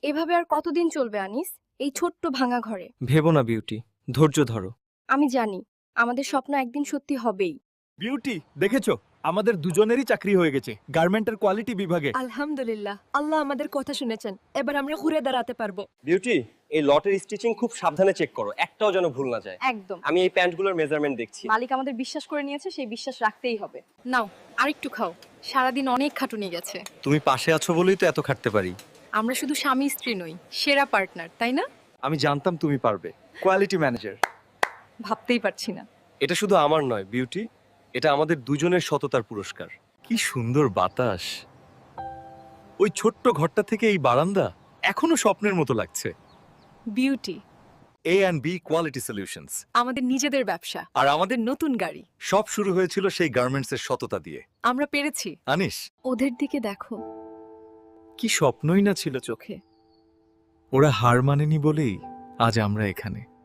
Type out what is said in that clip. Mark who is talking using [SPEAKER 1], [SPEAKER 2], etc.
[SPEAKER 1] এভাবে আর কতদিন চলবে আনিস, এই ছোট্ট ভাঙা ঘরে?
[SPEAKER 2] ভেবো না বিউটি, ধৈর্য ধরো।
[SPEAKER 1] আমি জানি আমাদের স্বপ্ন একদিন সত্যি হবেই।
[SPEAKER 3] বিউটি, দেখেছো আমাদের দুজনেরই চাকরি হয়ে গেছে গার্মেন্টের কোয়ালিটি বিভাগে।
[SPEAKER 4] আলহামদুলিল্লাহ, আল্লাহ আমাদের কথা শুনেছেন। এবার আমরা ঘুরে দাঁড়াতে পারবো।
[SPEAKER 5] বিউটি, এই লটের স্টিচিং খুব সাবধানে চেক করো, একটাও যেন ভুল না যায়।
[SPEAKER 1] একদম।
[SPEAKER 5] আমি এই প্যান্টগুলোর মেজারমেন্ট দেখছি।
[SPEAKER 1] মালিক আমাদের বিশ্বাস করে নিয়েছে, সেই বিশ্বাস রাখতেই হবে। নাও আরেকটু খাও, সারাদিন অনেক খাটুনি গেছে।
[SPEAKER 2] তুমি পাশে আছো বলেই তো এত খাটতে পারি।
[SPEAKER 1] আমরা শুধু স্বামী স্ত্রী নই, সেরা পার্টনার, তাই না?
[SPEAKER 2] আমি জানতাম তুমি পারবে। Quality manager.
[SPEAKER 1] ভাবতেই পারছি না।
[SPEAKER 2] এটা শুধু আমার নয় বিউটি, এটা আমাদের দুজনের সততার পুরস্কার। কি সুন্দর বাতাস। ওই ছোট্ট ঘরটা থেকে এই বারান্দা এখনো স্বপ্নের মতো লাগছে।
[SPEAKER 1] Beauty
[SPEAKER 2] A&B quality solutions.
[SPEAKER 1] আমাদের নিজেদের ব্যবসা,
[SPEAKER 2] আর আমাদের
[SPEAKER 1] নতুন গাড়ি।
[SPEAKER 2] সব শুরু হয়েছিল সেই গার্মেন্টসের সততা দিয়ে।
[SPEAKER 1] আমরা পেরেছি।
[SPEAKER 2] আনিস,
[SPEAKER 1] ওদের দিকে দেখো।
[SPEAKER 2] কি স্বপ্নই না ছিল চোখে। ওরা হার মানেনি বলেই আজ আমরা এখানে।